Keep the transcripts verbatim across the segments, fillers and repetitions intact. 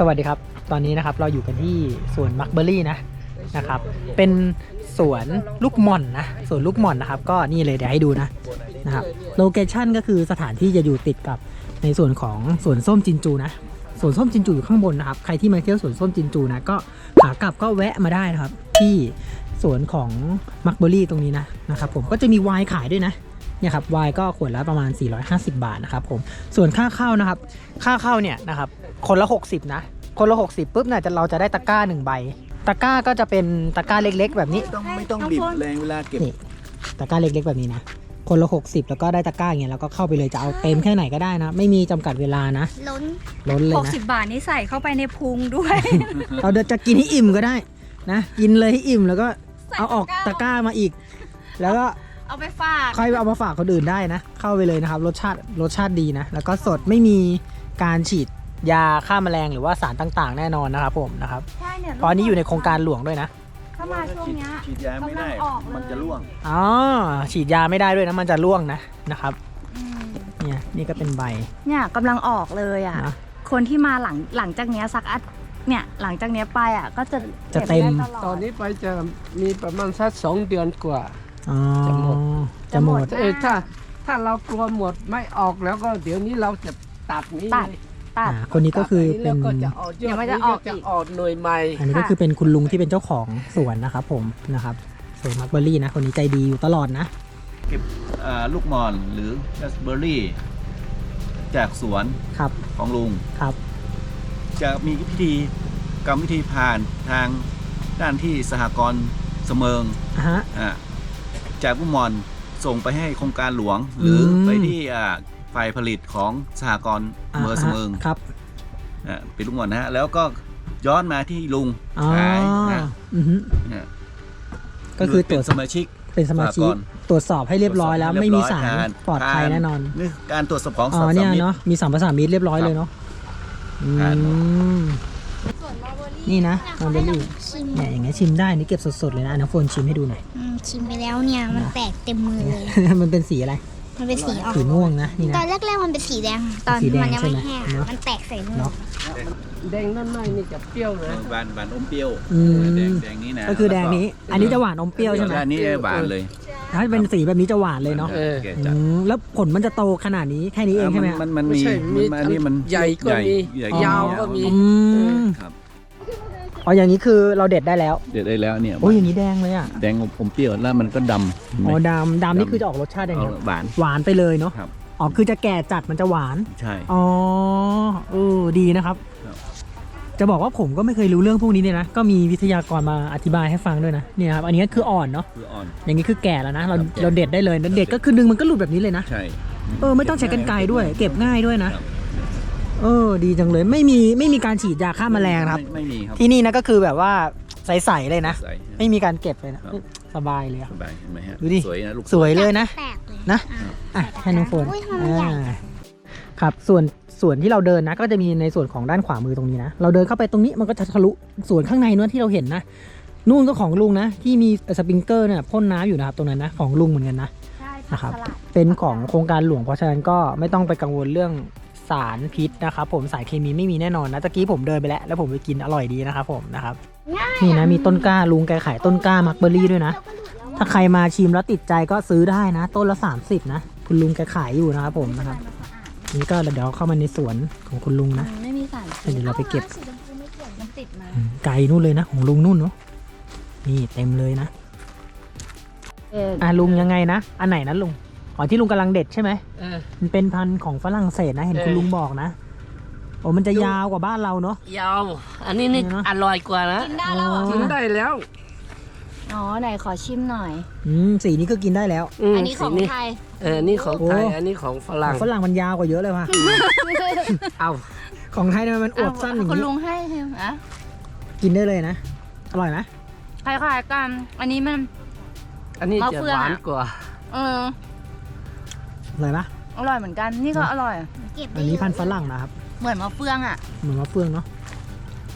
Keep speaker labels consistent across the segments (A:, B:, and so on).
A: สวัสดีครับตอนนี้นะครับเราอยู่กันที่สวนมักเบอรี่นะนะครับเป็นสวนลูกหม่อนนะสวนลูกหม่อนนะครับก็นี่เลยเดี๋ยวให้ดูนะนะครับโลเคชั่นก็คือสถานที่จะอยู่ติดกับในส่วนของสวนส้มจินจูนะสวนส้มจินจูอยู่ข้างบนนะครับใครที่มาเที่ยวสวนส้มจินจูนะก็ขากลับก็แวะมาได้นะครับที่สวนของมักเบอรี่ตรงนี้นะนะครับผมก็จะมีไวน์ขายด้วยนะเนี่ยครับไวน์ก็ขวดละประมาณสี่ร้อยห้าสิบบาทนะครับผมส่วนค่าเข้านะครับค่าเข้าเนี่ยนะครับคนละหกสิบนะคนละหกสิบปุ๊บเนี่ยจะเราจะได้ตะกร้าหนึ่งใบตะกร้าก็จะเป็นตะกร้าเล็กๆแบบนี้
B: ไม่ต้องไม่ต้องบีบแรงเวลาเก็บ
A: นี่ตะกร้าเล็กๆแบบนี้นะคนละหกสิบแล้วก็ได้ตะกร้าอย่างเงี้ยแล้วก็เข้าไปเลยจะเอาเต็มแค่ไหนก็ได้นะไม่มีจำกัดเวลานะ
C: ล้น
A: ล้นเลย
D: หก
A: นะ
D: สิบบาทนี่ใส่เข้าไปในพุงด้วย
A: เราเดี๋ยวจะกินให้อิ่มก็ได้นะกินเลยให้อิ่มแล้วก็เอาออกตะกร้ามาอีก แล้วก็
D: เอาไปฝาก
A: ค่อยเอามาฝากคนอื่นได้นะเข้าไปเลยนะครับรสชาติรสชาติดีนะแล้วก็สดไม่มีการฉีดยาฆ่าแมลงหรือว่าสารต่างๆ แน่นอนนะครับผมนะครับ
D: ใช่เนี่ย
A: ตอนนี้อยู่ในโครงการหลวงด้วยนะ
D: ถ้ามาช่วงเนี้ย
B: ฉีดยาไม่ได้
D: กำลังออกเลย
B: มันจะร่วง
A: อ๋อฉีดยาไม่ได้ด้วยนะมันจะร่วงนะนะครับ
D: อืม
A: เนี่ยนี่ก็เป็นใบ
D: เนี่ยกำลังออกเลยอ่ะ
A: นะ
D: คนที่มาหลังหลังจากเนี้ยสักอัดเนี่ยหลังจากเนี้ยไปอ่ะก็จะ
A: จะเต็ม
D: ก็บได้ลด
E: ตอนนี้ไปจะมีประมาณสักสองเดือนกว่า
A: อ๋อ
E: จะหมด
A: จะหมด
E: เออถ้าถ้าเรากลัวหมดไม่ออกแล้วก็เดี๋ยวนี้เราจะตัดนี้
D: ตัด
E: เลย
D: ตัด
A: อ่าคนนี้ก็คือเป็
E: แล้
A: น
E: วก็จะออกยอด
D: เดี๋ยวมันจะ
E: นี้
D: ออก
E: จะ
D: อีก
E: ออกหน่วยใหม่
A: อันนี้ก็คือเป็นคุณลุงที่เป็นเจ้าของสวนนะครับผมนะครับสวนมักเบอรี่นะคนนี้ใจดีอยู่ตลอดนะ
B: เก็บอ่าลูกหม่อนหรือราสเบอร์รี่ จากสวน
A: ครับ
B: ของลุง
A: ครับ
B: จะมีพิธีกรรมวิธีผ่านทางด้านที่สหกรณ์เสมิง
A: อ่ะฮะ
B: อ่าจากลูกหม่อนส่งไปให้โครงการหลวง หรืออ
A: ม
B: ไปที่อ่าฝ่ายผลิตของสหกรณ์เมืองเสมิง
A: ครับ
B: อ่าเป็นลูกหม่อนนะฮะแล้วก็ย้อนมาที่ลุง
A: อ๋อ
B: ขายนะ
A: อือฮึ
B: เนี่ย
A: ก็คือต
B: เป็
A: รวน จ
B: สมาชิก
A: เป็นสมาชิก
B: สหกรณ์
A: ตรวจสอบให้เรียบร้อยแล้วไม่มีสารปลอดภัยแน่นอน
B: นี่การตรวจสอบของ
A: อ๋
B: สั
A: อ
B: ตว์
A: เนี่ย
B: สำมิต
A: เนาะมีสัมภาษามิตรเรียบร้อยเลยเนาะอื
B: ผ่านหมด
A: มนี่นะมัลเบอรี่
C: ชิม
A: เนี่ยอย่างเงี้ยชิมได้นี่เก็บสดๆเลยนะน้ำฝนชิมให้ดูหน่อย
C: อืมชิมไปแล้วเนี่ยมันแตกเต็มมือเลย
A: มันเป็นสีอะไร
C: มันเป็นสีออก
A: สีม่วงนะนี่
C: ตอ
A: นะ
C: นแรกๆมันเป็นสีแดง ตอน
A: สีแดง
C: มันยังไม่
A: ใช่ไหม
C: แห้ง
A: เนอะ
C: มันแตกใส่มือ
A: เนาะ
E: แดงนั่นไม่นี่จะเปรี้ยวนะ
B: บานบานอมเปรี้ยว
A: อืม
B: แดงแดงนี้นะ
A: ก็คือแดงนี้ อันนี้จะหวานอมเปรี้ยวใช่ไหม
B: อันนี้หวานเลย
A: ถ้าเป็นสีแบบนี้จะหวานเลยเนาะ
E: เออ
B: แก่
A: อื
B: จัด
A: มแล้วผลมันจะโตขนาดนี้แค่นี้เองใช่ไหม
B: มันมัน
E: ไม่
B: มี
E: ใช่มี
B: มันอันนี้มัน
E: ใหญ่ก็มี
B: ใหญ่
E: ยาวก็มี
A: อืม
B: ครับ
A: อ๋ออย่างนี้คือเราเด็ดได้แล้ว
B: เด็ดได้แล้วเนี่ย
A: โอ้ยอย่างนี้แดงเลยอ่ะ
B: แดงอมเปรี้ยวแล้วมันก็ดำเห็นไหม
A: อ๋อดำดำนี่คือจะออกรสชาติยัง
B: เอา
A: ไง
B: หวาน
A: หวานไปเลยเนาะ
B: ครับ
A: อ๋อคือจะแก่จัดมันจะหวาน
B: ใช่
A: อ๋อเออดีนะครับ
B: ครับ
A: จะบอกว่าผมก็ไม่เคยรู้เรื่องพวกนี้เลยนะ ก็มีวิทยากรมาอธิบายให้ฟังด้วยนะเนี่ยครับอันนี้คืออ่อนเนาะ
B: คืออ่อน
A: อย่างนี้คือแก่แล้วนะเรา
B: ครับแก่
A: เราเด็ดได้เลยแล้วเด็ดก็คือดึงมันก็หลุดแบบนี้เลยนะ
B: ใช่
A: เออไม่ต้องใช้กรรไกรด้วย เก็บง่ายด้วยนะ เออดีจังเลยไม่มีไม่มีการฉีดยาฆ่าแมลงนะครับ
B: ไม่ไม่มีครับ
A: ที่นี่นะก็คือแบบว่าใสๆเลยนะ
B: ใส่
A: ไม่มีการเก็บเลยนะครับ สบายเลยอะ
B: สบายเห็นไหมฮะ
A: ดูดิ
B: สวยนะลูก
A: สวยเลยนะ
C: แตกเลย
A: นะ
C: อ่
A: อ่ะให้น้องโฟน
C: อุ้ยทำไมใหญ่
A: อ่าครับส่วนส่วนที่เราเดินนะ ก็จะมีในส่วนของด้านขวามือตรงนี้นะเราเดินเข้าไปตรงนี้มันก็จะทะลุส่วนข้างในนู้นที่เราเห็นนะนู่นก็ของลุงนะที่มีสปริงเกอร์เนี่ยพ่นน้ำอยู่นะครับตรงนั้นนะของลุงเหมือนกันนะ
D: ใช่
A: นะครับ
D: สลัด
A: เป็นของโครงการหลวงเพราะฉะนั้นก็ไม่ต้องไปกังวลเรื่องสารพิษนะครับผมสารเคมีไม่มีแน่นอนนะตะกี้ผมเดินไปแล้วแล้วผมไปกินอร่อยดีนะครับผมนะครับนี่นะมีต้นกล้าลุงแกขายต้นกล้ามักเบอรี่ด้วยนะถ้าใครมาชิมแล้วติดใจก็ซื้อได้นะ ต้นละสามสิบนะคุณลุงแกขายอยู่นะครับผมนะครับนี่ก็เดี๋ยวเข้ามาในสวนของคุณลุงนะ
D: ไม่มีสาร
A: เดี๋ยวเราไปเก็บ
C: สีชมพูไม่เกี่ยว
D: มันติดมา
A: อืมไกลนู่นเลยนะของลุงนู่นเนาะนี่เต็มเลยนะ
D: เออ
A: อ่ะลุงยังไงนะอันไหนนะลุงอ๋อที่ลุงกำลังเด็ดใช่ไหม
E: เออ
A: มันเป็นพันธุ์ของฝรั่งเศสนะเห็น
E: เออ
A: คุณลุงบอกนะโอ้มันจะยาวกว่าบ้านเราเนาะ
E: ยาว อันนี้นี่
A: นี่เนอะ
E: อร่อยกว่านะ
D: กินได้แล้วเหรอ
E: กินได้แล้ว
D: อ๋อไหนขอชิมหน่อย
A: อืมสีนี้ก็กินได้แล้ว
E: ม
D: อันนี้ของ
E: สี
D: ไทย
E: เออนี่ของไทย
A: โอ้
E: อันนี้ของฝรั่ง
A: ฝรั่งมันยาวกว่าเยอะเลยว่ะ
E: เอา
A: ของไทยทำไมมันอวบสั้นอย่าง
D: คุณ
A: นี้
D: ลุงให้ใช่ไหมอ่ะ
A: กินได้เลยนะอร่อยไหม
D: คล้ายๆกันอันนี้มัน
E: อันนี้
D: มะ
E: จะ
D: เฟือง
E: หวาน
D: อะ
E: กว่า
D: เออ
A: อร่อยปะ
D: อร่อยเหมือนกันนี่ก็อร่อย
C: เก็บได้
A: อันนี้พันธุ์ฝรั่งนะครับ
D: เหมือนมะเฟืองอ่ะ
A: เหมือนมะเฟืองเนาะ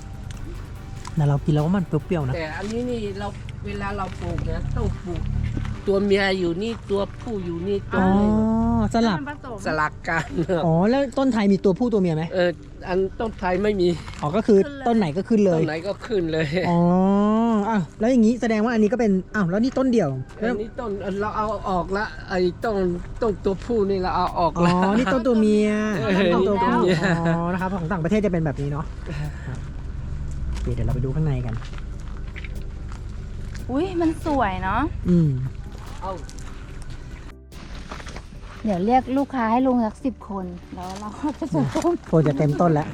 A: แต่เรากินแล้วว่ามันเปรี้ยวๆนะ
E: แต่อันนี้นี่เราเวลาเราปลูกเนี่ยต้องปลูกตัวเมียอยู่นี่ตัวผู้อยู่นี่ตัว
A: อ๋อ
E: นี้
A: สลับ
D: มันผสม
E: สลักกัน
A: อ๋อแล้วต้นไทยมีตัวผู้ตัวเมียไหม
E: เอออันต้นไทยไม่มี
A: อ๋อก็คือต้นไหนก็ขึ้นเล
E: ต้
A: ย
E: นไหนก็ขึ้นเลย
A: อ๋ออ้าวแล้วอย่างนี้แสดงว่าอันนี้ก็เป็นอ้าวแล้วนี่ต้นเดี่ยว
E: อันนี้ต้นเราเอาออกละไอ้ต้นต้นตัวผู้นี่เราเอาออก
A: อ๋อ
E: ละ
A: นี่ต้นตัวเมีย
E: เออ
A: ต้นตัว
E: นี่ต้น
A: ผู้
E: เมีย
A: อ๋อนะครับของต่างประเทศจะเป็นแบบนี้เนาะครับโอเคเดี๋ยวเราไปดูข้างในกัน
D: อุ้ยมันสวยเนาะ
A: อืม
E: เอา
D: เดี๋ยวเรียกลูกค้าให้ลุงสักสิบคนแล้วเราก็จะส่งต้ม
A: โคนจะเต็มต้นแล้ว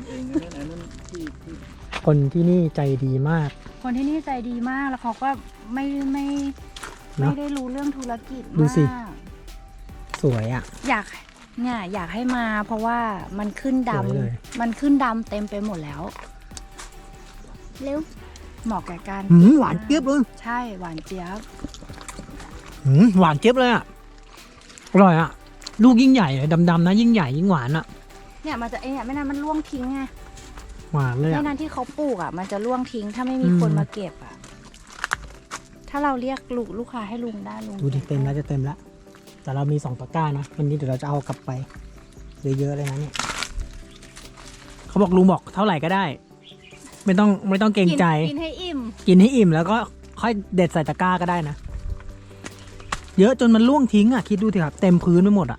A: คนที่นี่ใจดีมาก
D: คนที่นี่ใจดีมากแล้วเขาก็ไม่ไม่
A: เนอะ
D: ไม่ได้รู้เรื่องธุรกิจ
A: ดูสิ
D: มาก
A: สวยอ่ะ
D: อยากเนี่ยอยากให้มาเพราะว่ามันขึ้นด
A: สวยเลย
D: ำมันขึ้นดำเต็มไปหมดแล้ว
C: เร็ว
D: เหมาะแก่การ
A: หืมหวานเจี๊ยบเลย
D: ใช่หวานเจี๊ยบ
A: หืมหวานเจี๊ยบเลยอ่ะอร่อยอ่ะลูกยิ่งใหญ่เลยดำๆนะยิ่งใหญ่ยิ่งหวานอ่ะ
D: เนี่ยมันจะไอเนี่ยไม่นานมันร่วงทิ้งไง
A: หวานเลย
D: ไม่
A: อ่ะ
D: นานที่เขาปลูกอ่ะ มันจะร่วงทิ้งถ้าไม่มี
A: อืม
D: คนมาเก็บอ่ะ ถ้าเราเรียกลูกลูกค้าให้ลุงได้ลุง
A: ดูดิเต็มแล้วจะเต็มแล้วแต่เรามีสองตะกร้านะวันนี้เดี๋ยวเราจะเอากลับไปเยอะๆเลยนะเนี่ยเขาบอกลุงบอกเท่าไหร่ก็ได้ ไม่ต้องไม่ต้องเกรงใจ
D: กินให้อิ่ม
A: กินให้อิ่มแล้วก็ค่อยเด็ดใส่ตะกร้าก็ได้นะ เยอะจนมันล่วงทิ้งอ่ะ คิดดูสิครับ เต็มพื้นไปหมดอ่ะ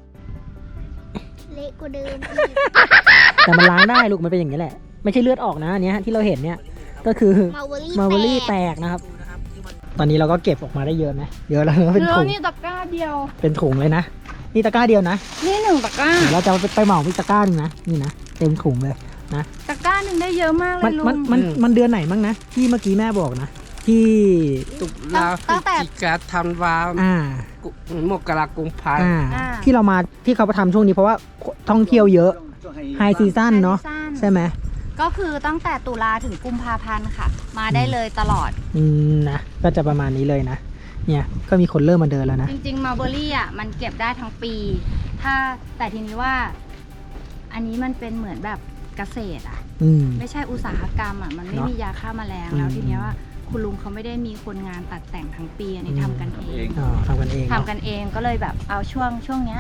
C: เละกว่าเดิมอีก
A: แต่มันล้างได้ลูกมันเป็นอย่างนี้แหละ ไม่ใช่เลือดออกนะอันเนี้ยที่เราเห็นเนี่ยก็คือ
C: มาเวอรี่
A: มาเวอรี่
C: แต
A: แต
C: ก
A: กนะครับ ตอนนี้เราก็เก็บออกมาได้เยอะนะเยอะแล้วเป็น
D: เนื้
A: ถุ
D: อง นี่ตะกร้าเดียว
A: เป็นถุงเลยนะนี่ตะกร้าเดียวนะ
D: นี่หนึ่งตะกร้า
A: เดี๋ยวเราจะไปไปเหมาอีกตะกร้าหนึงนะนี่นะเต็มถุงเลยนะ
D: ตะกร้าหนึ่งได้เยอะมากเล
A: มัน
D: ยลุ
A: มัน
D: ง
A: มันมันเดือนไหนมั้งนะที่เมื่อกี้แม่บอกนะที่
E: ตุลาพฤศจิกาธันวา
A: อ่า
E: กุมกรากุมภา
A: อ่าที่เรามาที่เขาทำช่วงนี้เพราะว่าท่องเที่ยวเยอะไฮซีซั่นเนาะ
D: ไฮซีซั่น
A: ใช่ไหม
D: ก็คือตั้งแต่ตุลาถึงกุมภาพันธ์ค่ะ มาได้เลยตลอด
A: อืมนะก็จะประมาณนี้เลยนะ เนี่ยก็มีคนเริ่มมาเดินแล้วนะ
D: จริงๆมาเบอรี่อ่ะมันเก็บได้ทั้งปี ถ้าแต่ทีนี้ว่า อันนี้มันเป็นเหมือนแบบเกษตรอ่ะ
A: อืม
D: ไม่ใช่อุตสาหกรรมอ่ะมันไม่
A: เนอะ
D: มียาฆ่าแมลง
A: อืม
D: แล้วทีเนี้ยว่าคุณลุงเขาไม่ได้มีคนงานตัดแต่งทั้งปีอันนี้
A: อืม
D: ทำกันเอง
A: อ๋อทำกันเอง
D: ทำ
A: เนาะ
D: กันเองก็เลยแบบเอาช่วงช่วงเนี้ย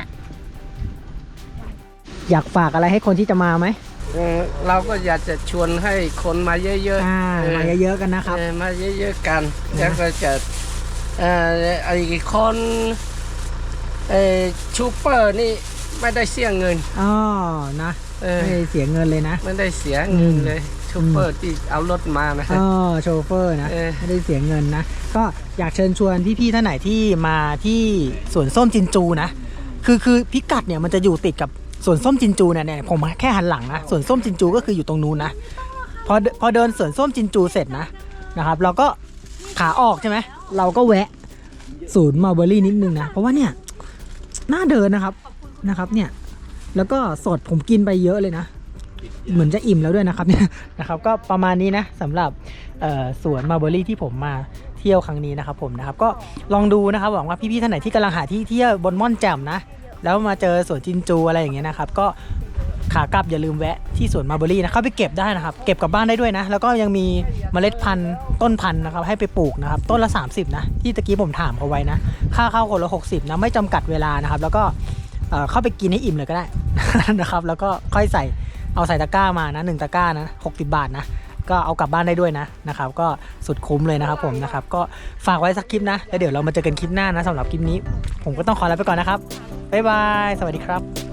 A: อยากฝากอะไรให้คนที่จะมาไหม
E: เออเราก็อยากจะชวนให้คนมาเยอะๆ
A: อ่า
E: เออ
A: มาเยอะๆกันนะครับ
E: เออมาเยอะๆกัน
A: นะ
E: แล้วก็จะเอ่อไอ้คนเอ่อชูเปอร์นี่ไม่ได้เสียเงิน
A: อ๋อนะ
E: เออ
A: ไม่ได้เสียเงินเลยนะ
E: ไม่ได้เสียเงิน
A: อืม
E: เลยชูเปอร์ที่เอารถมานะ
A: อ๋อโชเฟอร์นะ
E: เออ
A: ไม่ได้เสียเงินนะ ก็อยากเชิญชวนพี่ๆท่านไหนที่มาที่สวนส้มจินจูนะ คือคือพิกัดเนี่ยมันจะอยู่ติดกับสวนส้มจินจูเนี่ยเนี่ยผมแค่หันหลังนะสวนส้มจินจูก็คืออยู่ตรงนู้นนะพอพอเดินสวนส้มจินจูเสร็จนะนะครับ เราก็ขาออกใช่ไหมเราก็แวะศูนย์มัลเบอรี่นิดนึงนะเพราะว่าเนี่ยน่าเดินนะครับนะครับเนี่ยแล้วก็สดผมกินไปเยอะเลยนะ เหมือนจะอิ่มแล้วด้วยนะครับเนี่ยนะครับก็ประมาณนี้นะสำหรับเอ่อสวนมัลเบอรี่ที่ผมมาเที่ยวครั้งนี้นะครับผมนะครับก็ลองดูนะครับหวังว่าพี่ๆท่านไหนที่กำลังหาที่เที่ยวบนม่อนแจ่มนะแล้วมาเจอสวนจินจูอะไรอย่างเงี้ยนะครับก็ขากลับอย่าลืมแวะที่สวนมัลเบอรี่นะเข้าไปเก็บได้นะครับเก็บกลับบ้านได้ด้วยนะแล้วก็ยังมีเมล็ดพันธุ์ต้นพันธุ์นะครับให้ไปปลูกนะครับต้นละสามสิบนะที่ตะกี้ผมถามเขาไว้นะค่าเข้าคนละหกสิบนะไม่จำกัดเวลานะครับแล้วก็เอ่อเข้าไปกินให้อิ่มเลยก็ได้ นะครับแล้วก็ค่อยใส่เอาใส่ตะกร้ามานะหนึ่งตะกร้านะหกสิบบาทนะก็เอากลับบ้านได้ด้วยนะนะครับก็สุดคุ้มเลยนะครับผมนะครับก็ฝากไว้สักคลิปนะแล้วเดี๋ยวเรามาเจอกันคลิปหน้านะสำหรับคลิปนี้ผมก็ต้องขอลาไปก่อนนะครับบ๊ายบายสวัสดีครับ